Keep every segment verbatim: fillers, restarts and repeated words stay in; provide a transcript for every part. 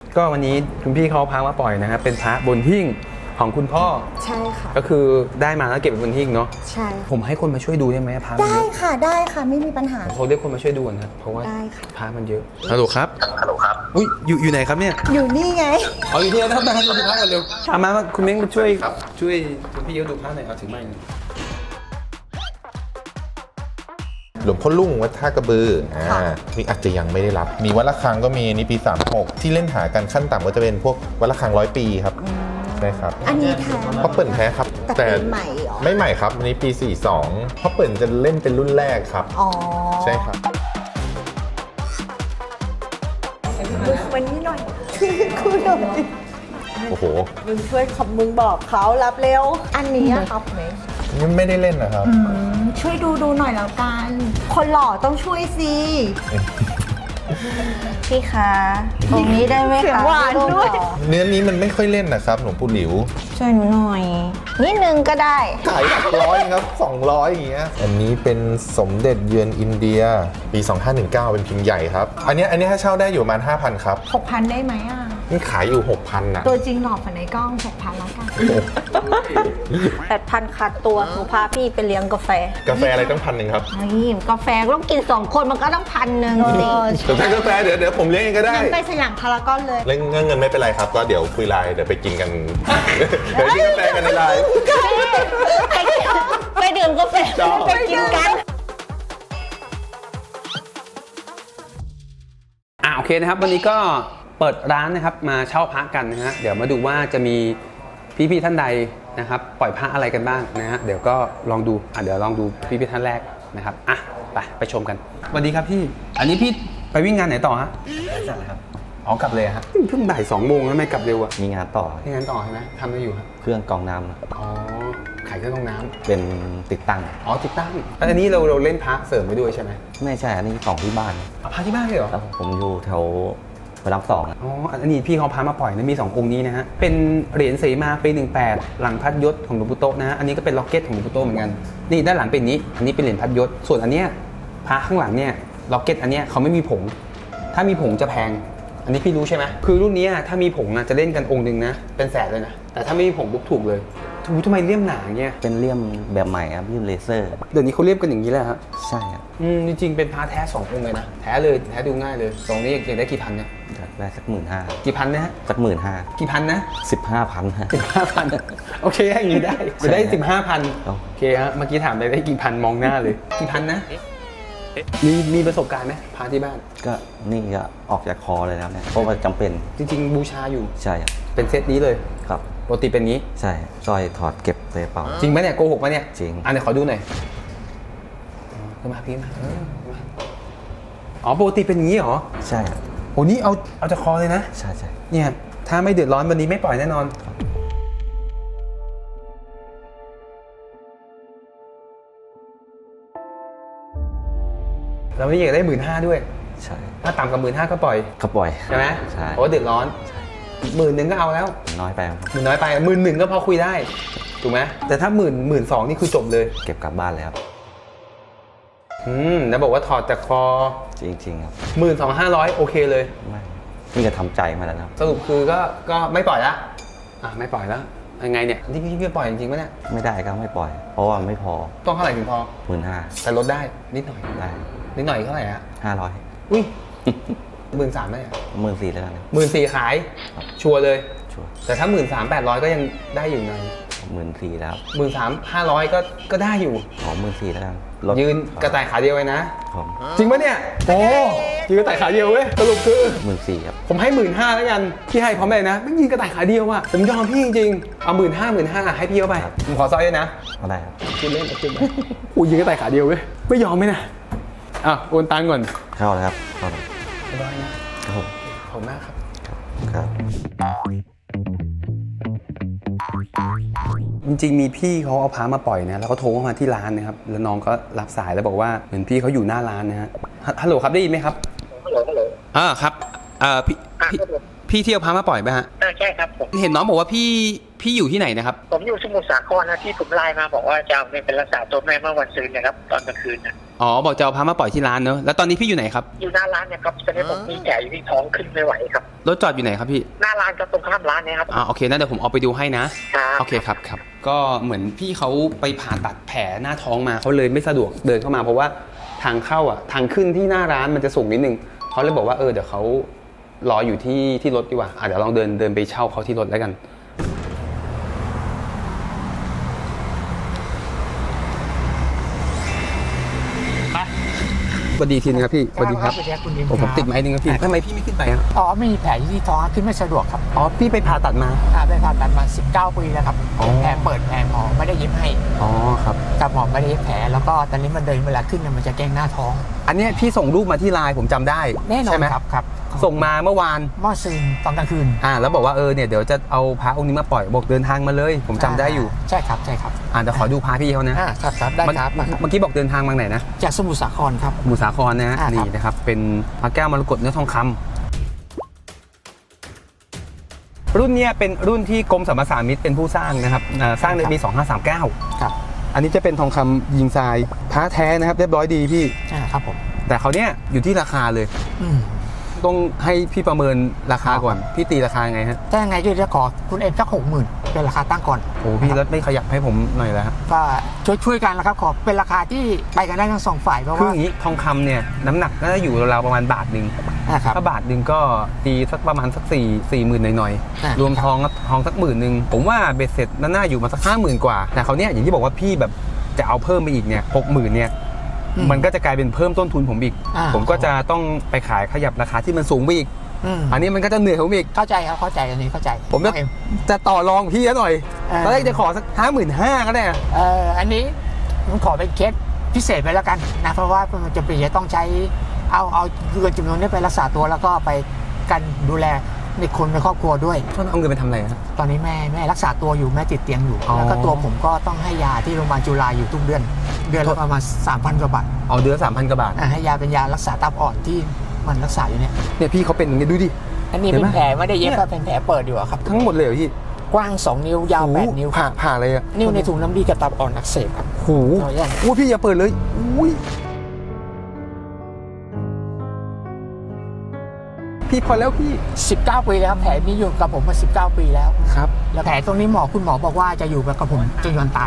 ก็วันนี้คุณพี่เขาพามาปล่อยนะครับเป็นพระบนหิ้งของคุณพ่อใช่ค่ะก็คือได้มาแล้วเก็บไว้บนหิ้งเนาะใช่ผมให้คนมาช่วยดูได้ไหมพระได้ค่ะได้ค่ะไม่มีปัญหาเขาเรียกคนมาช่วยดูนะเพราะว่าพระมันเยอะฮัลโหลครับฮัลโหลครับอุ้ยอยู่อยู่ไหนครับเนี่ยอยู่นี่ไงเอาอยู่ที่นะครับมาดูพระกันเร็วเอามาคุณเม้งมาช่วยช่วยคุณพี่เขาดูพระหน่อยเอาถึงไม้หลวงพ่อลุ่งวัดท่ากระบืออ่านี่อาจจะยังไม่ได้รับมีวัดระฆังก็มีนี่ปีสามหกที่เล่นหากันขั้นต่ำก็จะเป็นพวกวัดระฆังร้อยปีครับใช่ครับอันนี้แท้พ่อเปิ่นแท้ครับแต่ใหม่หรอไม่ใหม่ครับอันนี้ปีสี่สองพ่อเปิ่นจะเล่นเป็นรุ่นแรกครับอ๋อใช่ครับวันนี้หน่อยคุยหน่อยโอ้โหมึงช่วยขับมึงบอกเขารับเร็วอันนี้ครับไหมไม่ได้เล่นนะครับช่วยดูดูหน่อยแล้วกันคนหล่อต้องช่วยสิพี่คะตรงนี้ได้ไหมคะหวานด้วยเนื้อนี้มันไม่ค่อยเล่นนะครับหลวงปู่หลิวช่วยหนูหน่อยนิดนึงก็ได้ขายหลักร้อยครับสองร้อยอย่างเงี้ยอันนี้เป็นสมเด็จเยือนอินเดียปีสองพันห้าร้อยสิบเก้าเป็นพิมพ์ใหญ่ครับอันนี้อันนี้ถ้าเช่าได้อยู่ประมาณ ห้าพัน ครับหกพัน ได้ไหมอ่ะนี่ขายอยู่ หกพัน นะตัวจริงหล่อฝันในกล้อง หกพัน แล้วกันแปดพันขาดตัวหนูพาพี่ไปเลี้ยงกาแฟกาแฟอะไรต้องพันหนึ่งครับนี่กาแฟต้องกินสองคนมันก็ต้องพันหนึ่งสิแต่ถ้ากาแฟเดี๋ยวเดี๋ยวผมเลี้ยงเองก็ได้ไปสยามพารากอนเลยเรื่องเงินไม่เป็นไรครับก็เดี๋ยวคุยไลน์เดี๋ยวไปกินกันเดี๋ยวกินกาแฟกันในไลน์ไปดื่มกาแฟไปกินกันอ่าโอเคนะครับวันนี้ก็เปิดร้านนะครับมาเช่าพระกันนะฮะเดี๋ยวมาดูว่าจะมีพี่ๆท่านใดนะครับปล่อยพระอะไรกันบ้างนะฮะเดี๋ยวก็ลองดูอ่ะเดี๋ยวลองดูพี่ๆท่านแรกนะครับอ่ะไปไปชมกันสวัสดีครับพี่อันนี้พี่ไปวิ่งงานไหนต่อฮะจัดเลยครับอ๋อกลับเลยฮะเพิ่งบ่ายสองโมงแล้วไม่กลับเร็วอ่ะมีงานต่อมีงานต่อใช่ไหมทำอะไรอยู่ครับเครื่องกรองน้ำอ๋อขายเครื่องกรองน้ำเป็นติดตั้งอ๋อติดตั้งอันนี้เราเราเล่นพระเสริมไปด้วยใช่ไหมไม่ใช่อันนี้ของที่บ้านพระที่บ้านเลยเหรอผมอยู่แถวพระรามสองอ๋ออันนี้พี่เขาพามาปล่อยนะมีสององค์นี้นะฮะเป็นเหรียญเสมาปีหนึ่งแปดหลังพัดยศของหลวงปู่โตนะฮะอันนี้ก็เป็นล็อกเก็ตของหลวงปู่โตเหมือนกันนี่ด้านหลังเป็นนี้อันนี้เป็นเหรียญพัดยศส่วนอันเนี้ยพระข้างหลังเนี่ยล็อกเก็ตอันเนี้ยเขาไม่มีผงถ้ามีผงจะแพงอันนี้พี่รู้ใช่ไหมคือรุ่นนี้ถ้ามีผงจะเล่นกันองค์หนึ่งนะเป็นแสนเลยนะแต่ถ้าไม่มีผงปุ๊บถูกเลยถูกทำไมเลี่ยมหนาเงี้ยเป็นเลี่ยมแบบใหม่ครับเลี่ยมเลเซอร์เดี๋ยวนี้เขาเลี่ยมกันอย่างนี้แหละครับใช่ครับอืมจริงๆเป็นพระแท้สององค์เลยนะแท้เลยแท้ดูง่ายเลยสองนี้อยากได้กี่พันเนี่ยได้สักหมื่นห้ากี่พันนะฮะสักหมื่นห้ากี่พันนะสิบห้าพันสิบห้าพันโอเคอย่างนี้ได้จะได้สิบห้าพันโอเคฮะเมื่อกี้ถามไปได้กี่พันมองหน้าเลยกี่พันนะมีมีประสบการณ์ไหมพาที่บ้านก็นี่ก็ออกจากคอเลยแล้วเนี่ยเพราะว่าจำเป็นจริงๆบูชาอยู่ใช่ครับเป็นเซตนี้เลยครับปกติเป็นงี้ใช่สร้อยถอดเก็บใส่กระเป๋าจริงไหมเนี่ยโกหกไหมเนี่ยจริงอันนี้ขอดูหน่อยขึ้นมาพี่มาอ๋อปกติเป็นงี้เหรอใช่โอ้นี่เอาเอาจากคอเลยนะใช่ใช่เนี่ยถ้าไม่เดือดร้อนวันนี้ไม่ปล่อยแน่นอนเราไม่อยากได้หมื่นห้าด้วยใช่ถ้าต่ำกว่าหมื่นห้าก็ปล่อยก็ปล่อยใช่ไหมใช่เพราะเดือดร้อนหมื่นหนึ่งก็เอาแล้วน้อยไปหมื่นน้อยไปหมื่นหนึ่งก็พอคุยได้ถูกไหมแต่ถ้าหมื่นหมื่นสองนี่คือจบเลยเก็บกลับบ้านเลยครับอืมแล้วบอกว่าถอดจากคอจริงๆครับหมื่นสองห้าร้อยโอเคเลยไม่นี่ก็ทำใจมาแล้วครับสรุปคือก็ก็ไม่ปล่อยละอ่ะไม่ปล่อยแล้วยังไงเนี่ยที่พี่พี่ปล่อยจริงๆไหมเนี่ยไม่ได้ก็ไม่ปล่อยเพราะว่าไม่พอต้องเท่าไหร่ถึงพอหมื่นห้าแต่ลดได้นิดหน่อยได้นิดหน่อยเท่าไหร่ฮะห้าร้อยอุ้ยหมื่นสามไหมหมื่นสี่แล้วกันหมื่นสี่ขายชัวร์เลยชัวร์แต่ถ้าหมื่นสามแปดร้อยก็ยังได้อยู่หน่อยหมื่นสี่แล้วหมื่นสามห้าร้อยก็ก็ได้อยู่ขอหมื่นสี่แล้วกันยืนกระต่ายขาเดียวไว้นะจริงปะเนี่ยโอ้ยืนกระต่ายขาเดียวเว้ยสรุปคือหมื่นสี่ครับผมให้หมื่นห้าแล้วกันพี่ให้พร้อมเลยนะไม่ยืนกระต่ายขาเดียวอ่ะผมยอมพี่จริงๆเอาหมื่นห้าหมื่นห้าให้พี่เข้าไปผมขอซอยด้วยนะเอาได้ครับคิดเล่นคิดเล่นโอ้ยืนกระต่ายขาเดียวเว้ยไม่ยอมไหมนะอ่ะโอนตังก่อนเข้าเลยครับเข้าเลยได้นะครับผมขอบคุณมากครับครับจริงๆมีพี่เขาเอาพามาปล่อยนะแล้วเขาโทรมาที่ร้านนะครับแล้วน้องก็รับสายแล้วบอกว่าเหมือนพี่เขาอยู่หน้าร้านนะฮะฮัลโหลครับได้ยินไหมครับฮัลโหลฮัลโหลอ่าครับเอ่อพี่พี่ที่เอาพามาปล่อยไหมฮะใช่ครับผมเห็นน้องบอกว่าพี่พี่อยู่ที่ไหนนะครับผมอยู่สมุทรสาครนะที่ผมไลน์มาบอกว่าจะเอาเงินเป็นรักษาตัวแม่เมื่อวันซื้อนะครับตอนกลางคืนนะอ๋อบอกจะเอาพามาปล่อยที่ร้านเนอะแล้วตอนนี้พี่อยู่ไหนครับอยู่หน้าร้านเนี่ยครับตอนนี้ผมมีแผลอยู่ที่ท้องขึ้นไม่ไหวครับรถจอดอยู่ไหนครับพี่หน้าร้านก็ตรงข้ามร้านเนี่ยครับอ่าโอเคนะเดี๋ยวผมเอาไปดูให้นะครับ โอเคครับครับก็เหมือนพี่เขาไปผ่าตัดแผลหน้าท้องมาเขาเลยไม่สะดวกเดินเข้ามาเพราะว่าทางเข้าอ่ะทางขึ้นที่หน้าร้านมันจะสูงนิดนึงเขาเลยบอกว่าเออเดี๋ยวเขารออยู่ที่ที่รถดีกว่าอ่ะเดี๋ยวลองเดินเดินไปเช่าเขาที่รถแล้วกันสวัสดีทีนึงครับพี่สวัสดีครับสวัสดีครับคุณดิมผมผมติดไม้นึงครับพี่ทำไมพี่ไม่ขึ้นไปอ่ะอ๋อไม่มีแผลที่ท้องขึ้นไม่สะดวกครับอ๋อพี่ไปผ่าตัดมาอ่าไปผ่าตัดมาสิบเก้าปีแล้วครับอ๋อแผลเปิดแผลหมอไม่ได้เย็บให้อ๋อครับกับหมอไม่ได้เย็บแผลแล้วก็ตอนนี้มันเดินเวลาขึ้นเนี่ยมันจะแกล้งหน้าท้องอันเนี้ยพี่ส่งรูปมาที่ไลน์ผมจำได้แน่นอใช่นไหมครับครับส่งมาเมื่อวานหม้อซึมตอนกลางคืนอ่าแล้วบอกว่าเออเนี่ยเดี๋ยวจะเอาพระองค์นี้มาปล่อยบอกเดินทางมาเลย ผมจำได้อยู่ใช่ครับใช่ครับอ่าเดี๋ยวขอดูพระพี่เขานะอ่าครับครับได้เมื่อครับมาครับเมื่อกี้บอกเดินทางมาไหนนะจากสมุทรสาครครับหมู่สาครนะฮะอ่าครับนี่นะครับเป็นพระแก้วมรกตเนื้อทองคำรุ่นเนี้ยเป็นรุ่นที่กรมสรรพสามิตเป็นผู้สร้างนะครับอ่าสร้างในปีสองห้าสามเก้าครับอันนี้จะเป็นทองคำยิงทรายพระแท้นะครับเรียบร้อยดีพี่อ่าครับผมแต่เขาวเนี้ยอยู่ที่ราคาเลยอืมต้องให้พี่ประเมินราคาก่อนพี่ตีราคาไงฮะถ้ายังไงก็จะขอคุณเอ็มสักหกหมื่นเป็นราคาตั้งก่อนโอ้พี่รถไม่ขยับให้ผมหน่อยแล้วฮะก็ช่วยช่วยกันแล้วครับขอเป็นราคาที่ไปกันได้ทั้งสองฝ่ายเพราะคือว่าอย่างนี้ทองคำเนี่ยน้ำหนักน่าจะอยู่ราวๆประมาณบาทหนึ่งอ่าครับถ้าบาทหนึ่งก็ตีสักประมาณสักสี่สี่หมื่นหน่อยอ่าๆรวมทองก็ทองสักหมื่นหนึ่งผมว่าเบ็ดเสร็จน่าอยู่มาสักห้าหมื่นกว่า แต่เขาวเนี่ยอย่างที่บอกว่าพี่แบบจะเอาเพิ่มไปอีกเนี่ยหกหมื่นเนี่ยมันก็จะกลายเป็นเพิ่มต้นทุนผมอีกอ่าผมก็จะต้องไปขายขยับราคาที่มันสูงไปอีกอืมอันนี้มันก็จะเหนื่อยผมอีกเข้าใจครับเข้าใจอันนี้เข้าใจผมจะเอ็มจะต่อรองพี่หน่อยอ่าตอนแรกจะขอสักห้าหมื่นห้าก็ได้เอ่ออันนี้ผมขอเป็นเคสพิเศษไปแล้วกันนะเพราะว่ามันจะเป็นจะต้องใช้เอาเอาเงินจำนวนนี้ไปรักษาตัวแล้วก็ไปกันดูแลในคนในครอบครัวด้วยท่านเอาเงินไปทำอะไรฮะตอนนี้แม่แม่รักษาตัวอยู่แม่ติดเตียงอยู่อ๋อแล้วก็ตัวผมก็ต้องให้ยาที่โรงพยาบาลจุฬาอยู่ทุกเดือน เดือนละประมาณสามพันกว่าบาทเอาเดือนสามพันกว่าบาทอ่ะให้ยาเป็นยารักษาตับอ่อนที่มันรักษาอยู่เนี่ยเนี่ยพี่เขาเป็นอย่างนี้ดูดิอันนี้เห็นเป็ไหมนแผลไม่ได้เย็บเนี่ยครับเป็นแผลเปิดอยู่อะครับทั้งหมดเลยเหรอพี่กว้างสองนิ้วยาวแปดนิ้วผ่าผ่าอะไรอะนิ้วในถุงน้ำดีกับตับอ่อนอักเสบครับโหเอาอย่างอุ้ยพี่อย่าเปิดเลยอุ้ยพี่พอแล้วพี่สิบเก้าปีแล้วแผลนี้อยู่กับผมมาสิบเก้าปีแล้วครับแล้วแผลตรงนี้หมอคุณหมอบอกว่าจะอยู่กับผมจนวันตาย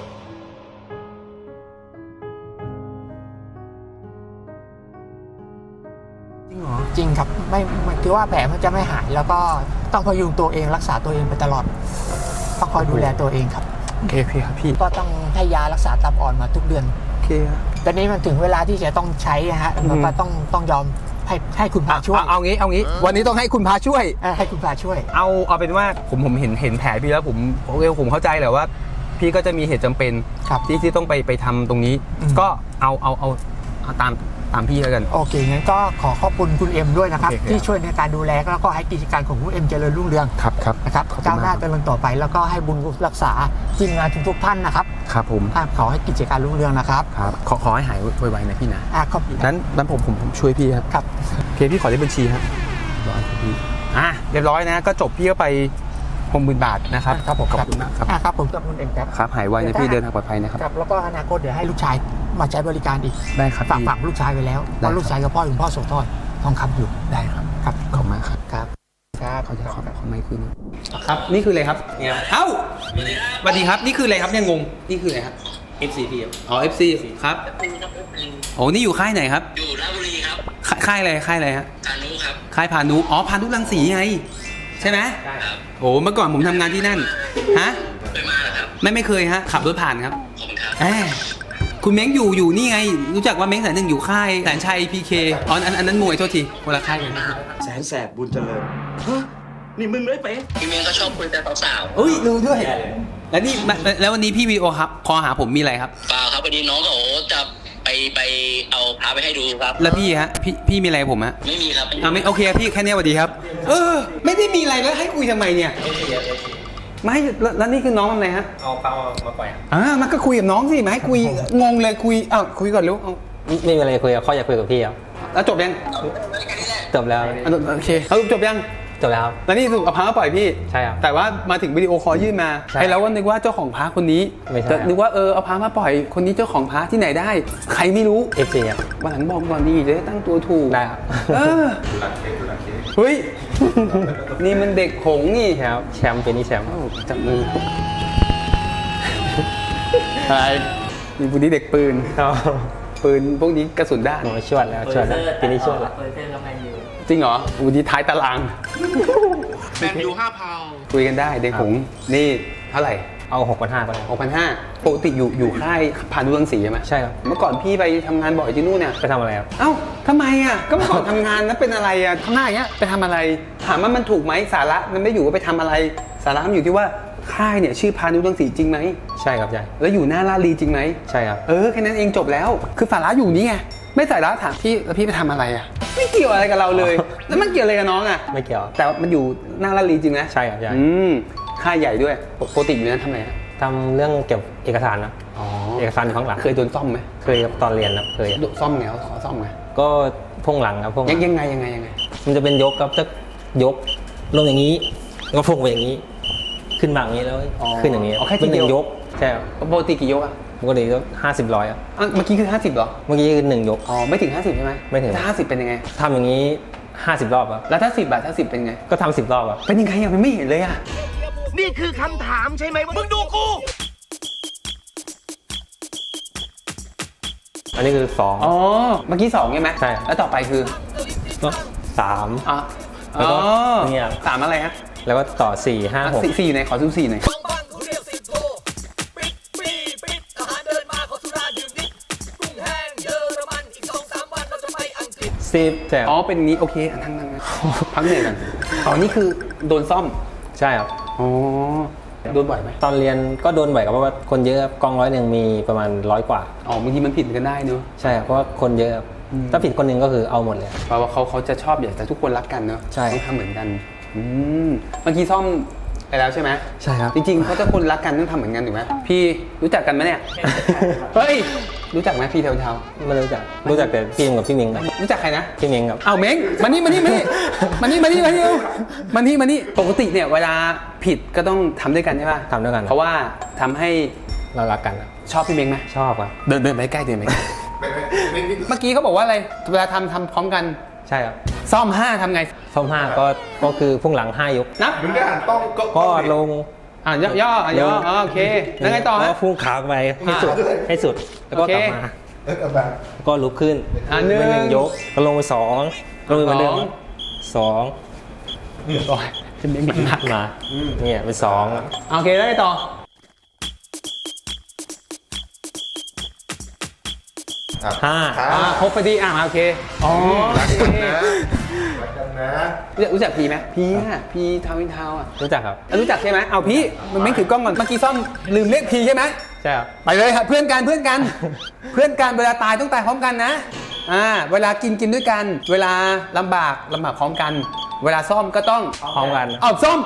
จริงเหรอจริงครับไม่ไม่คือว่าแผลมันจะไม่หายแล้วก็ต้องพยุงตัวเองรักษาตัวเองไปตลอดต้องคอยดูแลตัวเองครับโอเคพี่ครับพี่ก็ต้องให้ยารักษาตับอ่อนมาทุกเดือนโอเคครับตอนนี้มันถึงเวลาที่จะต้องใช้นะฮะแล้วก็ต้องต้องยอมให้ให้คุณพาช่วยเอาเอางี้เอางี้ วันนี้ต้องให้คุณพาช่วยเออให้คุณพาช่วยเอาเอาเป็นว่าผมผมเห็นเห็นแผลพี่แล้วผมโอเคผมเข้าใจแหละว่า พี่ก็จะมีเหตุจำเป็นครับที่ที่ต้องไปไปทำตรงนี้อืมก็เอาเอาเอาเอาตามตามพี่แล้วกันโอเคงั้นก็ขอขอบคุณคุณเอ็มด้วยนะครับโอเคครับที่ช่วยในการดูแลแล้วก็ให้กิจการของคุณเอ็มเจริญรุ่งเรืองครับครับนะครับขอบคุณก้าวหน้ามกเจริญต่อไปแล้วก็ให้บุญรักษาทีมงานทุกๆท่านนะครับครับผมอ่ะขอให้กิจการรุ่งเรืองนะครับครับขอขอให้หายไวๆนะพี่นะอ่ะขอบคุณนั้นนั้นผมผมผมช่วยพี่ครับครับโอเคพี่ขอเลขบัญชีครับร้อยครับพี่อ่ะเรียบร้อยนะก็จบพี่ก็ไปหกหมื่นบาทนะครับครับผมขอบคุณมากครับอ่ะครับผมกับคุณเอ็มครับครับหายไวนะพี่เดินทางปลอดภัยนะครับครับแล้วก็อนาคตเดี๋ยวให้ลูกชายมาใช้บริการอีกได้ครับฝากพี่ฝากลูกชายไว้แล้วได้เพราะลูกชายกับพ่อคุณพ่อโสธรทองคำอยู่ได้ครับครับขอบคุณมากครับครับครับเขาจะขอขอไม่คืนครับนี่คืออะไรครับเอ้าสวัสดีครับนี่คืออะไรครับเนี่ยงงนี่คืออะไรครับเอฟ ซี พี่ครับอ๋อ เอฟ ซี ครับโอ้นี่อยู่ค่ายไหนครับอยู่ราชบุรีครับค่ายค่ายอะไรค่ายอะไรฮะพานุครับค่ายพานุอ๋อพานุรังสีไงใช่ไหมใช่ครับโอ้เมื่อก่อนผมทำงานที่นั่นฮะไปมาแล้วครับไม่ไม่เคยฮะขับรถผ่านครับขอบคุณครับแหมคุณเม้งอยู่อยู่นี่ไง รู้จักว่าเม้งแสนหนึ่งอยู่ค่ายแสนชัยพีเคอ๋ออันอันนั้นมวยโทษทีคนละค่ายกันแสนแสบบุญเจริญฮะนี่มึงเลยเป๊ะพี่เมย์ก็ชอบคุยแต่สาวเอ้ยรู้ด้วย แล้วนี่มาแล้ววันนี้พี่วีโอครับคอหาผมมีอะไรครับๆเปล่าครับพอดีน้องเขาจะไปไปเอาพาไปให้ดูครับแล้วพี่ฮะพี่พี่มีอะไรกับผมฮะไม่มีครับอ่าไม่โอเคพี่แค่เนี้ยสวัสดีครับ เออ ไม่ได้มีอะไรแล้วให้คุยทำไมเนี่ยไม่แล้วแล้วนี่คือน้องทำอะไรฮะเอาเปล่ามาปล่อยอ่ามันก็คุยกับน้องสิมาให้คุยงงเลยคุยอ้าวคุยก่อนเร็วเอาไม่มีอะไรคุยกับเขาอยากคุยกับพี่ครับแล้วจบยังจบแล้วอ่ะโอเคเอาจบยังจบแล้วครับแล้วนี่สรุปเอาพระมาปล่อยพี่ใช่ครับแต่ว่ามาถึงวิดีโอคอลยื่นมาใช่ไอ้เราก็นึกว่าเจ้าของพระคนนี้ไม่ใช่แต่นึกว่าเออเอาพระมาปล่อยคนนี้เจ้าของพระที่ไหนได้ ใครไม่รู้เอฟซีครับวันหลังบอกก่อนดีจะได้ตั้งตัวถูกได้ครับเออเฮ้ย นี่มันเด็กหงส์นี่แชมป์แชมป์เป็นนี่แชมป์เอ้าจับมืออะไรนี่พวกนี้เด็กปืนครับปืนพวกนี้กระสุนด้านโอ้ชวดแล้วชวดแล้วเป็นนี่ชวดแล้วจริงเหรออูดีท้ายตารางแมนยูห้าพาวคุยกันได้เด็กหงส์นี่เท่าไหร่เอาหกพันห้าไปเลยหกพันห้าปกติอยู่อยู่ค่ายพานุรังสีใช่ไหมใช่ครับเมื่อก่อนพี่ไปทำงานบ่อยที่นู่นเนี่ยไปทำอะไรครับเอ้าทำไมอ่ะ ก็เมื่อก่อนทำงานแล้วเป็นอะไรอ่ะทำหน้าอย่างเงี้ยไปทำอะไร ถามว่ามันถูกไหมสาระมันไม่อยู่ว่าไปทำอะไร สาระมันอยู่ที่ว่าค่ายเนี่ยชื่อพานุรังสีจริงไหมใช่ครับใช่แล้วอยู่หน้าลาดลีจริงไหมใช่ครับเออแค่นั้นเองจบแล้ว คือสาระอยู่นี่ไง ไม่สาระถามพี่แล้วพี่ไปทำอะไรอ่ะ ไม่เกี่ยวอะไรกับเราเลย แล้วมันเกี่ยวอะไรกับน้องอ่ะไม่เกี่ยวแต่มันอยู่หน้าลาดลีจริงนะใช่ครับใช่อืมค่ายใหญ่ด้วยปกติอยู่นั้นทำอะไรฮะทำเรื่องเกี่ยวกับเอกสารนะอ๋อเอกสารอยู่ข้างหลังเคยโดนซ่อมไหมเคยครับตอนเรียนครับเคยซ่อมไงเขาขอซ่อมไงก็พ่วงหลังครับพ่วงหลัยังงยังไงยังไงยังไงมันจะเป็นยกครับจะยกลงอย่างนี้แล้วก็พุ่งไปอย่างนี้ ขึ้นมาอย่างนี้แล้วขึ้นอย่างนี้อ๋อแค่เป็ทีนหเดีนึ่ยวงยกใช่ครับปกติกี่ยกอ่ะปกติก็ห้าสิบร้อยครับอ่ะเมื่อกี้คือห้าสิบเหรอเมื่อกี้คือหนึ่งยกอ๋อไม่ถึงห้าสิบใช่ไหมไม่ถึงถ้าห้าสิบเป็นยังไงทำอย่างนี้ห้าสิบรอบครับแล้วถ้าสิบบาทถ้าสิบเป็นไงก็ทำสิบรอบครับเป็นยังไงอ่ะมันไม่เห็นเลยอ่ะนี่คือคำถามใช่ไหมว่ามึงดูกูอันนี้คือสองอ๋อเมื่อกี้สองใช่ไหมใช่แล้วต่อไปคือก็สามอ๋อแล้วก็อ๋อเนี่ยสามอะไรฮะแล้วก็ต่อสี่ห้าอ่ะหกสี่สี่ไหนขอซูมสี่หน่อยสิบใช่คอ๋อรับเป็นอย่างนี้โอเคอ่ะนั่งนั่งนั่งพักเหนื่อยก่อนอ๋อนี่คือโดนซ่อมใช่ครับอ๋อโดนบ่อยไหมตอนเรียนก็โดนบ่อยครับเพราะว่าคนเยอะครับกองร้อยหนึ่งมีประมาณร้อยกว่าอ๋อบางทีมันผิดกันได้เนอะใช่ครับเพราะว่าคนเยอะครับถ้าผิดคนหนึ่งก็คือเอาหมดเลยเพราะว่าเขาเขาจะชอบอยากจะทุกคนรักกันเนอะใช่ต้องทำเหมือนกันอืมเมื่อกี้ซ่อมไปแล้วใช่ไหมใช่ครับจริงๆเขาจะคนรักกันต้องทำเหมือนกันถูกไหมพี่รู้จักกันไหมเนี่ย เฮ้ยรู้จักไหมพี่เทาเทาไม่รู้จักรู้จักแต่พี่เองกับพี่เมงครับรู้จักใครนะพี่เมงครับเอาเม้งมานี่มานี่มานี่มานี่มานี่มานี่เร็วมานี่มานี่ปกติเนี่ยเวลาผิดก็ต้องทำด้วยกันใช่ป่ะทำด้วยกันเพราะว่าทำให้เรารักกันครับชอบพี่เม้งไหมชอบครับเดินเดินไปใกล้เดินไปใกล้เมื่อกี้เขาบอกว่าอะไรเวลาทำทำพร้อมกันใช่ครับซ่อมห้าทำไงซ่อมห้าก็ก็คือพุ่งหลังห้ายกนับมึงได้อ่านต้องก็ก็ลงอ่ะย่อย่ออ่ะย่ออ๋อโอเคแล้วไงต่อแล้ฮะวพุ่งขาไปให้สุดให้สุดแล้วก็โอเคกลับมาเออกลับมาก็ลุกขึ้นอ่ะหนึ่งเป็นหนึ่งยกก็ลงไปสองลงไปเหมือนเดิมสองสองโอ้ยจะไม่มีมากมาเนี่ยเป็นสองโอเคแล้วไงต่ออ่ะห้าอ่าครบพอดีอ่ะโอเคอ๋อโอเครักกันนะรู้จักรู้จักพีไหมพีอ่ะพีทาวน์อินทาวน์อ่ะรู้จักครับรู้จักใช่ไหมเอาพี่มันไม่ถือกล้องก่อนเมื่อกี้ซ่อมลืมเรียกพีใช่ไหมใช่ครับไปเลยครับเพื่อนกันเพื่อนกัน เพื่อนกันเวลาตายต้องตายพร้อมกันนะอ่าเวลากินกินด้วยกัน เวลาลำบากลำบากพร้อมกัน เวลาซ่อมก็ต้องพร้อมกันเอาซ่อม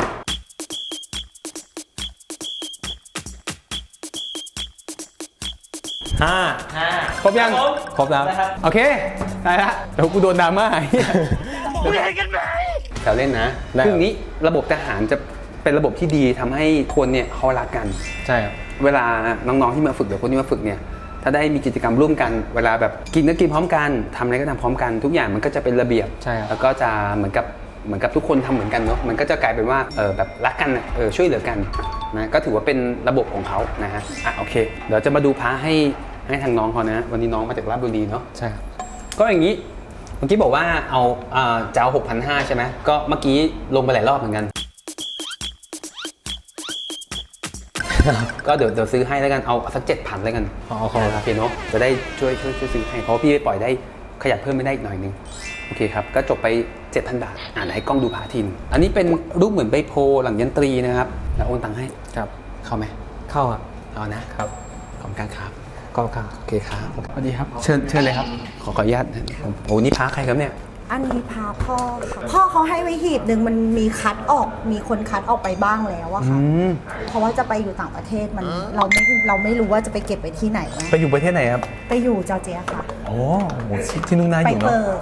ห้าครบยังครบแล้วโอเคได้ละเดี๋ยวกูโดนดราม่ามึงเห็นกันไหมแถวเล่นนะได้ครับคืออย่างนี้ระบบทหารจะเป็นระบบที่ดีทำให้คนเนี่ยเขารักกันใช่ครับเวลาน้องๆที่มาฝึกหรือคนที่มาฝึกเนี่ยถ้าได้มีกิจกรรมร่วมกัน เวลาแบบกินก็กินพร้อมกันทำอะไรก็ทำพร้อมกันทุกอย่างมันก็จะเป็นระเบียบใช่ครับแล้วก็จะเหมือนกับเหมือนกับทุกคนทำเหมือนกันเนาะมันก็จะกลายเป็นว่าเออแบบรักกันน่ะเออช่วยเหลือกันนะก็ถือว่าเป็นระบบของเขานะฮะอ่ะโอเคเดี๋ยวจะมาดูพาให้ให้ทางน้องเขานะวันนี้น้องมาจากราชบุรีเนาะใช่ครับก็อย่างนี้เมื่อกี้บอกว่าเอาอ่าจะเอาหกพันห้าใช่ไหมก็เมื่อกี้ลงไปหลายรอบเหมือนกัน ก็เดี๋ยวเดี๋ยวซื้อให้แล้วกันเอาสักเจ็ดพันแล้วกันอ๋อขอบคุณครับโอเคเนาะจะได้ช่วยช่วยช่วยซื้อให้เพราะว่าพี่ไปปล่อยได้ขยับเพิ่มไม่ได้อีกหน่อยนึงโอเคครับก็จบไป เจ็ดพัน บาทอ่านให้กล้องดูพาทีนงอันนี้เป็นรูปเหมือนใบโพหลังยันตรีนะครับแล้วโอนตังค์ให้ครับเข้าไหมเข้าครับเอานะครับขอบคุณครับก็เข้าโอเคครับสวัสดีครับเชิญเชิญเลยครับขอขออนุญาตผมโอ้นี่พาใครครับเนี่ยอันนี้พาพ่อค่ะพ่อเขาให้ไว้หีบหนึ่งมันมีคัดออก มีคนคัดออกไปบ้างแล้วอะค่ะอืมเพราะว่าจะไปอยู่ต่างประเทศมันเราไม่เราไม่รู้ว่าจะไปเก็บไว้ที่ไหนไงไปอยู่ประเทศไหนครับไปอยู่จอร์เจียค่ะโอ้โหที่นู่นน่าอไปยู่เนาะเปิด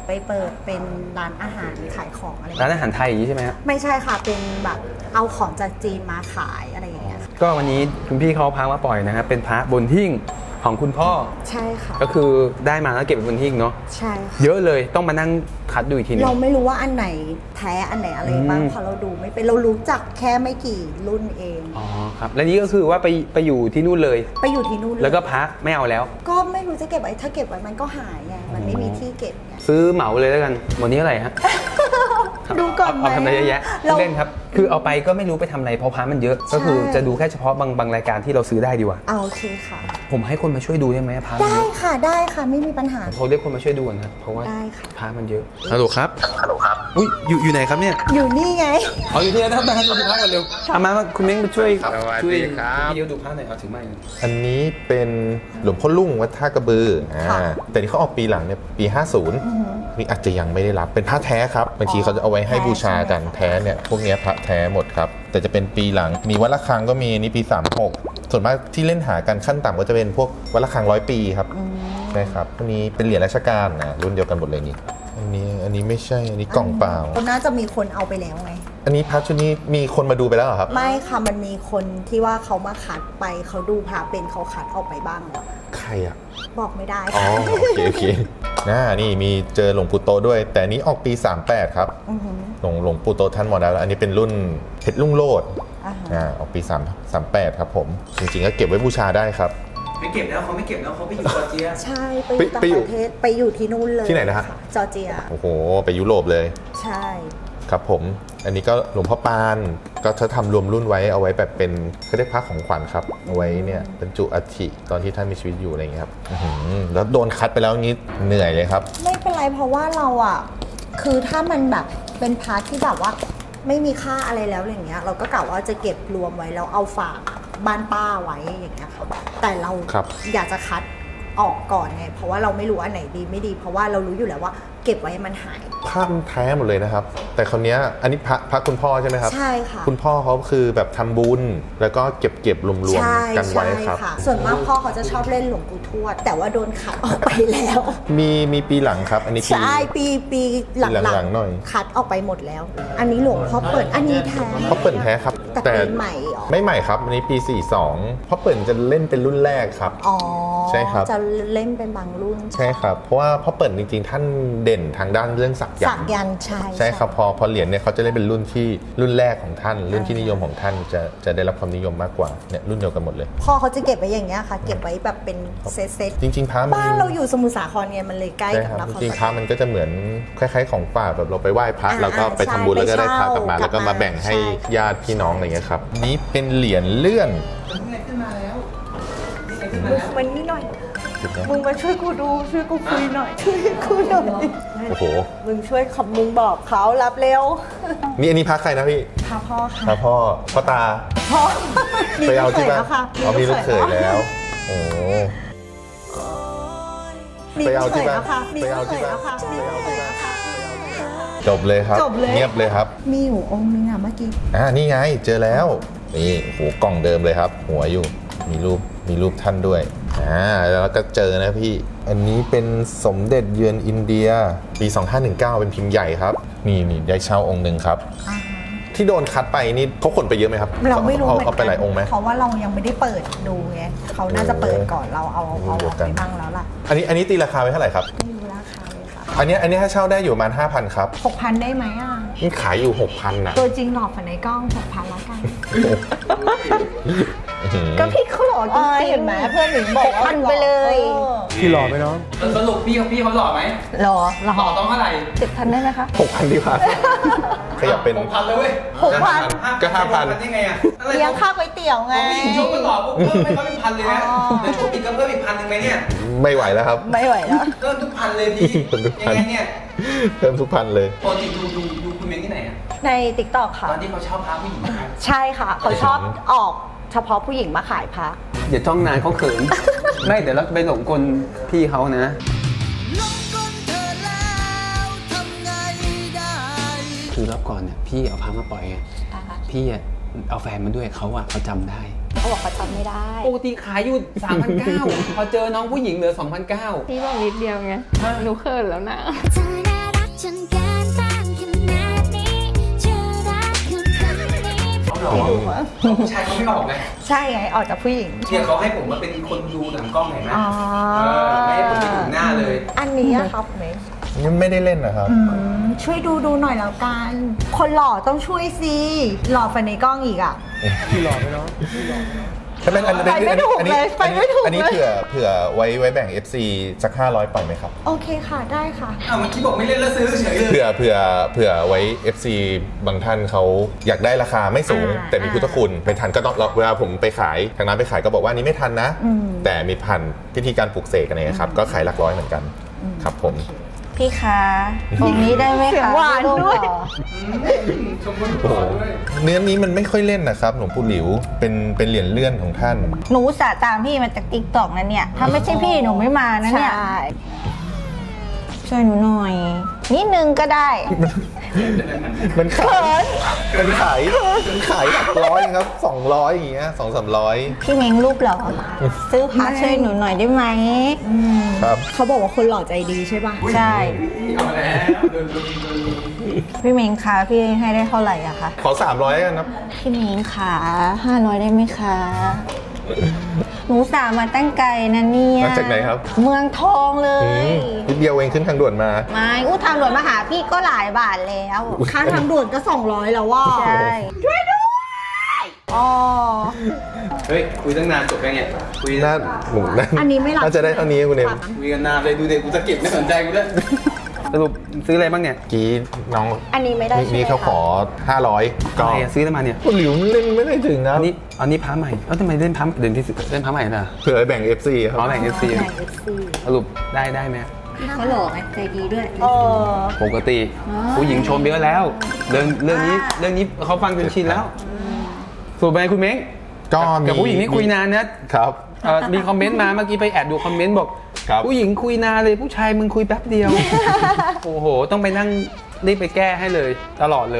ไปเปิดเป็นร้านอาหารขายของอะไรร้านอาหารไทยอย่างนี้ใช่ไหมครับไม่ใช่ค่ะเป็นแบบเอาของจากจีนมาขายอะไรอย่างเงี้ยก็วันนี้คุณพี่เขาพามาปล่อยนะครับเป็นพระบนหิ้งของคุณพ่อใช่ค่ะก็คือได้มาแล้วเก็บไว้บนหิ้งเนาะใช่ค่ะเยอะเลยต้องมานั่งคัดดูอีกทีนึงเราไม่รู้ว่าอันไหนแท้อันไหนอะไรบ้างอืมเพราะเราดูไม่เป็นเรารู้จักแค่ไม่กี่รุ่นเองอ๋อครับและนี่ก็คือว่าไปไปอยู่ที่นู่นเลยไปอยู่ที่นู่นเยแล้วก็พระไม่เอาแล้วก็ไม่รู้จะเก็บไว้ถ้าเก็บไว้มันก็หายไงมันไม่มีที่เก็บไงซื้อเหมาเลยแล้วกันวันนี้อะไรฮะดูก่อนไหมเอาทำอะไรเยอะแยะเราเล่นครับ คือเอาไปก็ไม่รู้ไปทำอะไรเพราะพระมันเยอะ ก็คือจะดูแค่เฉพาะบางบางรายการที่เราซื้อได้ดีกว่าเอาโอเคค่ะผมให้คนมาช่วยดูได้ไหมพระมันได้เยอะค่ะได้ค่ะไม่มีปัญหาเขาเรียกคนมาช่วยดูนะเพราะว่าได้ค่ะพระมันเยอะฮัลโหลครับฮัลโหลครับอุ้ยอยู่อยู่ไหนครับเนี่ยอยู่นี่ไงเอาอยู่ที่ไหนครับได้ดูพระกันเร็วเอามาคุณเม้งมาช่วยสวัสช่วยดีครับพี่เดียวดูพระหน่อยเอาถึงไม้อันนี้เป็นหลวงพ่อลุ่งวัดท่ากระบืออ่าค่ะแต่นี่เขาออกปีหลังเนี่ยปี ห้าสิบนี่อาจจะยังไม่ได้รับเป็นพระแท้ครับบางทีเขาจะเอาไว้ให้บูชากันแท้เนี่ยพวกเนี้ยพระแท้หมดครับแต่จะเป็นปีหลังมีวัดระฆังก็มีนี่ปีสามหกส่วนมากที่เล่นหากันขั้นต่ำก็จะเป็นพวกวัดระฆังร้อยปีครับใช่ครับอันนี้เป็นเหรียญราชการนะรุ่นเดียวกันหมดเลยนี่อันนี้อันนี้ไม่ใช่อันนี้กล่องเปล่าน่าจะมีคนเอาไปแล้วไงอันนี้พระชุดนี้มีคนมาดูไปแล้วเหรอครับไม่ค่ะมันมีคนที่ว่าเขามาคัดไปเขาดูพระเป็นเขาคัดออกไปบ้างแล้วใครอ่ะบอกไม่ได้อ๋อค่ะโอเคโอเคน่านี่มีเจอหลวงปู่โตด้วย แต่อันนี้ออกปีสามแปดครับอือหือหลวงหลวงปู่โตท่านมรณะแล้วอันนี้เป็นรุ่นเพชรลุ่งโลดอ่าฮะอ่าออกปี3 38ครับผม จริงๆก็เก็บไว้บูชาได้ครับไม่เก็บแล้วเขาไม่เก็บแล้วเขาไปอยู่จอร์เจียใช่ไปอยู่ต่างไปอยู่ประเทศไปอยู่ที่นู่นเลยที่ไหนนะฮะจอร์เจียโอ้โห ไปยุโรปเลยใช่ครับผม อันนี้ก็หลวงพ่อปานก็จะทำรวมรุ่นไว้เอาไว้แบบเป็นเขาเรียกพระของขวัญครับเอาไว้เนี่ยบรรจุอัฐิตอนที่ท่านมีชีวิตอยู่อะไรอย่างเงี้ยครับอื้อหือแล้วโดนคัดไปแล้วงี้เหนื่อยเลยครับไม่เป็นไรเพราะว่าเราอ่ะคือถ้ามันแบบเป็นพาร์ทที่แบบว่าไม่มีค่าอะไรแล้วอย่างเงี้ยเราก็กะว่าจะเก็บรวมไว้แล้วเอาฝากบ้านป้าไว้อย่างเงี้ยค่ะแต่เราครับอยากจะคัดออกก่อนไงเพราะว่าเราไม่รู้อันไหนดีไม่ดี เพราะว่าเรารู้อยู่แล้วว่าเก็บไว้มันหายภาพมันแท้หมดเลยนะครับ แต่คราวเนี้ยอันนี้พระพระคุณพ่อใช่ไหมครับใช่ค่ะคุณพ่อเขาคือแบบทำบุญ แล้วก็เก็บเก็บรวมใช่ๆกันไว้ใช่ครับค่ะ ส่วนมากพ่อเขาจะชอบเล่นหลวงปู่ทวด แต่ว่าโดนขัดออกไปแล้วมีมีปีหลังครับ อันนี้ปีใช่ปีปีหลังปีหลังๆหน่อยคัดออกไปหมดแล้ว อันนี้หลวงพ่อเปิดอันนี้แท้เพราะเปิ่นแท้ครับแต่ปีใหม่เหรอไม่ใหม่ครับ อันนี้ปี สี่สองเพราะเปิ่นจะเล่นเป็นรุ่นแรกครับอ๋อใช่ครับจะเล่นเป็นบางรุ่นใช่ครับ เพราะว่าพ่อเปิ่นจริงๆ ท่านเด่นทางด้านเรื่องสักยัสันกต์ยันต์ใช่ใช่ครับพอพอเหรียญเนี่ยเขาจะเล่นเป็นรุ่นที่รุ่นแรกของท่าน รุ่นที่นิยมของท่านจะจะได้รับความนิยมมากกว่าเนี่ยรุ่นเดียวกันหมดเลยพ่อเขาจะเก็บไว้อย่างเงี้ยค่ะ เก็บไว้แบบเป็นเซตเซตจริงๆพระมันบ้านเราอยู่สมุทรสาครไงมันเลยใกล้ใช่กับครับนครจริงๆพประฐมมันก็จะเหมือนคล้ายๆของฝากแบบเราไปไหว้พระอ่าแล้วก็ไปทำบุญใช่แล้วก็ได้พระกลับมาไปเช่าแล้วก็มาแบ่งให้ใช่ญาติพี่น้องอะไรเงี้ยครับนี้เป็นเหรียญเลื่อนมันนี่หน่อย มึงมาช่วยกูดูช่วยกูคุยหน่อยช่วยกูหน่อยโอ้โหมึงช่วยขับมึงบอกเขารับเร็วนี่อันนี้พระใครนะพี่พาพ่อค่ะพระพ่อพ่อตาพ่อมีไปเอาลูกเขที่ยบ้านแล้วค่ะเอามีลูกเขยแล้ว โอ้มีไปลูเอากเขที่ยบ้านแล้วค่ะมีไปลูเอากเขที่ยบ้านแล้วค่ะมีลูกเขยแล้วค่ะจบเลยครับจบเลยเงียบเลยครับมีอยู่องค์นึงอ่ะเมื่อกี้อ่านี่ไงเจอแล้ว นี่โอ้โหกล่องเดิมเลยครับ หัวอยู่ มีรูปมีรูปท่านด้วยอ่าแล้วก็เจอนะพี่ อันนี้เป็นสมเด็จเยือนอินเดีย ปี สองห้าหนึ่งเก้า เป็นพิมพ์ใหญ่ครับ นี่นี่ได้เช่าองค์หนึ่งครับ ที่โดนคัดไปนี่เขาขนไปเยอะไหมครับเราไม่รู้เอาเหมือนเอาไปหลายกัองค์ไหมเพราะว่าเรายังไม่ได้เปิดดูไงเขาน่าจะเปิดก่อนเราเอาเอาเอาเดีอยวอกกัไปนบ้างแล้วล่ะอันนี้อันนี้ตีราคาไว้เท่าไหร่ครับไม่รู้ราคาเลยค่ะอันนี้อันนี้ถ้าเช่าได้อยู่ประมาณ ห้าพัน ครับหกพันได้ไหมอ่ะนี่ขายอยู่ หกพัน น่ะตัวจริงหลอกฝันในกล้องหกพันแล้วกันอื้อหือก็พี่เขาหล่อจริงๆเห็นไหมเพื่อนหนูบอกว่าหกพันไปเลยพี่หล่อไหมน้องสรุปพี่เขาพี่เขาหล่อไหมหล่อหล่หล่ออต้องเท่าไหร่เจ็ดพันได้ไหมคะหกพันดีกว่า ขยับเป็นหกพันเลยเว้ยหกพันก็ห้าพันได้ไงอะอะไรเลี้ยงข้าวก๋วยเตี๋ยวไงพอผู้หญิงยกมันหล่อปุ๊บเพิ่มให้เขาเป็นพันเลยนะอ๋อแล้วชุดอีกก็เพิ่มอีกพันหนึ่งไหมเนี่ยไม่ไหวแล้วครับไม่ไหวแล้วเพิ่มทุกพันเลยพี่เพิ่มทุกพัยันงไงเนี่ยเพิ่มทุกพันเลยปกติดูดูดูคุณเมงที่ไหนอะในติ๊กต็อกค่ะตอนที่เขาเช่าพระผู้หญิงมาขายใช่ค่ะ เขาชอบออกเฉพาะผู้หญิงมาขายพระอย่าจ้องนานเขาเขิน ไม่เดี๋ยวเราไปหลงกลพี่เขานะ คือรอบก่อนเนี่ยพี่เอาพามาปล่อยไงพี่อะเอาแฟนมาด้วยเขาอะเขาจำได้เขาบอกเขาจำไม่ได้ปกติขายอยู่ สามพันเก้า พอเจอน้องผู้หญิงเหลือ สองพันเก้าพี่บอกนิดเดียวไง หนูเขินแล้วนะเธอน่าฉันการบ้านขนาดนี้เธอรักคนคนนี้ผู้ชายเขาไม่ออกไงใช่ไงออกจากผู้หญิงเนี่ยเขาให้ผมมาเป็นคนดูหลังกล้องเห็นไหมอ๋อเออไม่ให้ผมไปถึงหน้าเลยอันนี้อะครับเมย์นี่ไม่ได้เล่นนะครับอืมช่วยดูดูหน่อยแล้วกัน คนหล่อต้องช่วยสิหล่อไปในกล้องอีกอ่ะถ้าเป็นอันนี้ไปไม่ถูกอันนี้เลยไปไม่ถูกอันนี้เลยเผื่อเผื่อไว้ไว้แบ่ง เอฟ ซี สักห้าร้อยปล่อยไหมครับโอเคค่ะได้ค่ะอ้าวเมื่อกี้บอกไม่เล่นแล้วซื้อเฉยเลยเผื่อเผื่อเผื่อไว้ เอฟ ซี บางท่านเขาอยากได้ราคาไม่สูงอ่าแต่มีพุทธคุณเป็นทันก็ต้องเวลาผมไปขายทางร้านไปขายก็บอกว่าอันนี้ไม่ทันนะอืมแต่มีพันพิธีการปลูกเสกอะไรเงี้ยครับก็ขายหลักร้อยเหมือนกันครับผมพี่คะองค์นี้ได้ไหมเสียคะงหวานด้วยชมพูโอ้โหเนื้อนี้มันไม่ค่อยเล่นนะครับหลวงปู่หลิวเป็นเป็นเหรียญเลื่อนของท่านหนูอุตสาห์ตามพี่มาจากติ๊กต็อกนะเนี่ย ถ้าไม่ใช่พี่หนูไม่มานะเนี่ยใช่ช่วยหนูหน่อย นิดนึงก็ได้มันขายมันขายมันขายหลักร้อยครับสองร้อยอย่างเงี้ยสองสามร้อยพี่เม้งรูปเหรอ ซื้อพาช่วยหนูหน่อยได้ไหมครับเขาบอกว่าคนหล่อใจดีใช่ป่ะใช่เอาแล้วโดนลุมโดนลุมพี่เม้งคะพี่ให้ได้เท่าไหร่อะคะขอสามร้อยกันนะพี่เม้งขาห้าร้อยได้ไหมคะ หนูสามาตั้งไกลนะเนี่ยมาจากไหนครับเมืองทองเลอืยมนิดเดียวเองขึ้นทางด่วนมาไม่อู้ทางด่วนมาหาพี่ก็หลายบาทแล้วค่าทางด่วนก็สองร้อยแล้วว่าใช่อ๋อเฮ้ยคุยตั้งนานจบไปไงคุยน่าหมูน่าอันนี้ไม่รับน่าจะได้เท่านี้คุณเอ็มคุยกันนานเลยดูเด็กกูสะกิดไม่สนใจกูด้วยสรุปซื้ออะไรบ้างเนี่ยกี้น้องอันนี้ไม่ได้ใช่ไหมนี่เขาขอ ห้าร้อยก็อะไรอะซื้อได้มาเนี่ยคุณหลิวเล่นไม่ได้ถึงนะอันนี้อันนี้พระใหม่เอ้าทำไมเล่นพระเดินที่เล่นพระใหม่ล่ะเผื่อแบ่ง เอฟ ซี ครับอ๋อแบ่งเอฟซีไหนเอฟซีสรุปได้ได้ไหมเขาหล่อไงใจดีด้วยเออปกติผู้หญิงชมเยอะแล้วเรื่องเรื่องนี้เรื่องนี้เขาฟังจนชินแล้วสรุปไปคุณเม้งก็มีกับผู้หญิงนี่คุยนานนะครับ เอ่อมีคอมเมนต์มาเมื่อกี้ไปแอบดูคอมเมนต์บอกครับผู้หญิงคุยนานเลยผู้ชายมึงคุยแป๊บเดียว โอ้โห ต้องไปนั่งรีบไปแก้ให้เลย ตลอดเลย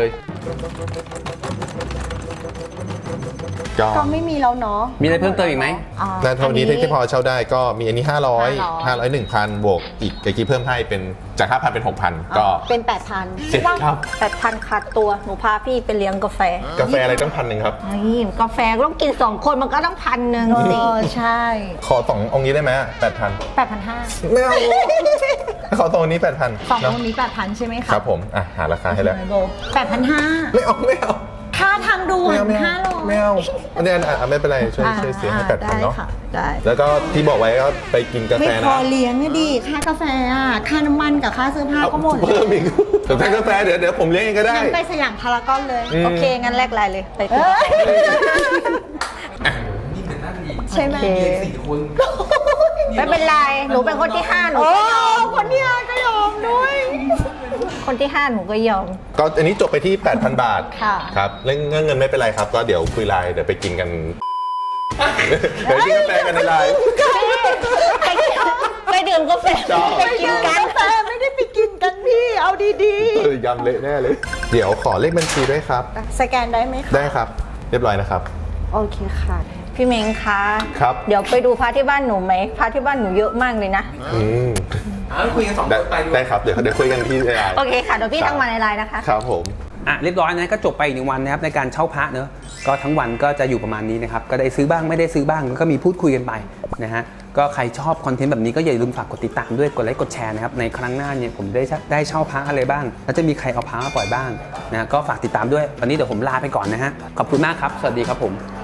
ก็ก็ไม่มีแล้วเนาะมีอะไรเพิ่มเติมอีกไหมอ่านาเท่านี้ที่พอเช่าได้ก็มีอันนี้ ห้าร้อยห้าร้อยห้าร้อย หนึ่งพัน บวกอีกเมื่อกี้เพิ่มให้เป็นจาก ห้าพัน เป็น หกพัน ก็เป็นแปดพันเจ็ดครับแต่พันขาดตัวหนูพาพี่ไปเลี้ยงกาแฟกาแฟอะไรต้องพันหนึ่งครับนี่กาแฟก็ต้องกินสองคนมันก็ต้องพันหนึ่งเอสิอใช่ขอสององค์นี้ได้ไหมแปดพันแปดพันห้าไม่เอา ขอสององค์นี้แปดพันสององค์นี้แปดพันใช่ไหมคะครับผม อ่ะ หาราคาให้แล้วแปดพันห้าไม่เอา ไม่เอาค่าทางด่วไม่นเอา ไม่ห้าเอาร้อยไม่เอาอันนี้อ่ะไม่เป็นไร ช่วยช่วยเสียให้แปดพันได้เนาะค่ะได้แล้วก็ที่บอกไว้ก็ไปกินกาไม่แฟพนะอเลี้ยงอะดิค่ากาแฟอ่ะค่าน้ำมันกับค่าเสื้อผ้าก็หมดเพิ่มอีกแต่ถ้ากาแฟเดี๋ยวเดี๋ยวผมเลี้ยงเองก็ได้งั้นไปสยามพารากอนเลยอืมโอเค งั้นแลกไลน์เลยไปเอ้ยนี่เป็นนั่นอีกใช่ไหมเรียนสี่คนไม่เป็นไร หนูเป็นคนที่ห้าหนูโอ้ก็ยอมคนที่ห้าก็ยอมด้วยคนที่ห้าหนูก็ยอมก็อันนี้จบไปที่ แปดพัน บาทค่ะครับเรื่องเรื่องเงินไม่เป็นไรครับ ก็เดี๋ยวคุยไลน์เดี๋ยวไปกินกัน เดี๋ยวกินกาแฟกันในไลน์ไปไปดื่มกาแฟชอบไปกินกันกาแฟไม่ได้ไปกินกันพี่ เอาดีเออยำเละแน่เลย เดี๋ยวขอเลขบัญชีด้วยครับๆ สแกนได้ไหมคะได้ครับ เรียบร้อยนะครับโอเคค่ะพี่เม้งคะครับเดี๋ยวไปดูพระที่บ้านหนูไหมพระที่บ้านหนูเยอะมากเลยนะอืมอ้าวคุยกันสองคได้นไปดูได้ครับ เดี๋ยวเดี๋ยวคุยกันที่ไลน์โอเคค่ะ เดี๋ยวพี่ทักมาในไลน์นะคะครับผมอ่ะเรียบร้อยนะก็จบไปอีกหนึ่งวันนะครับในการเช่าพระเนอะก็ทั้งวันก็จะอยู่ประมาณนี้นะครับก็ได้ซื้อบ้างไม่ได้ซื้อบ้างแล้วก็มีพูดคุยกันไปนะฮะก็ใครชอบคอนเทนต์แบบนี้ก็อย่าลืมฝากกดติดตามด้วยกดไลค์กดแชร์นะครับในครั้งหน้าเนี่ยผมได้ได้เช่าพระอะไรบ้าง แล้วจะมีใครเอาพระมาปล่อยบ้างนะก็ฝากติดตามด้วยวันนี้เดี๋ยวผมลาไปก่อนนะฮะขอบคุณมากครับสวัสดีครับผม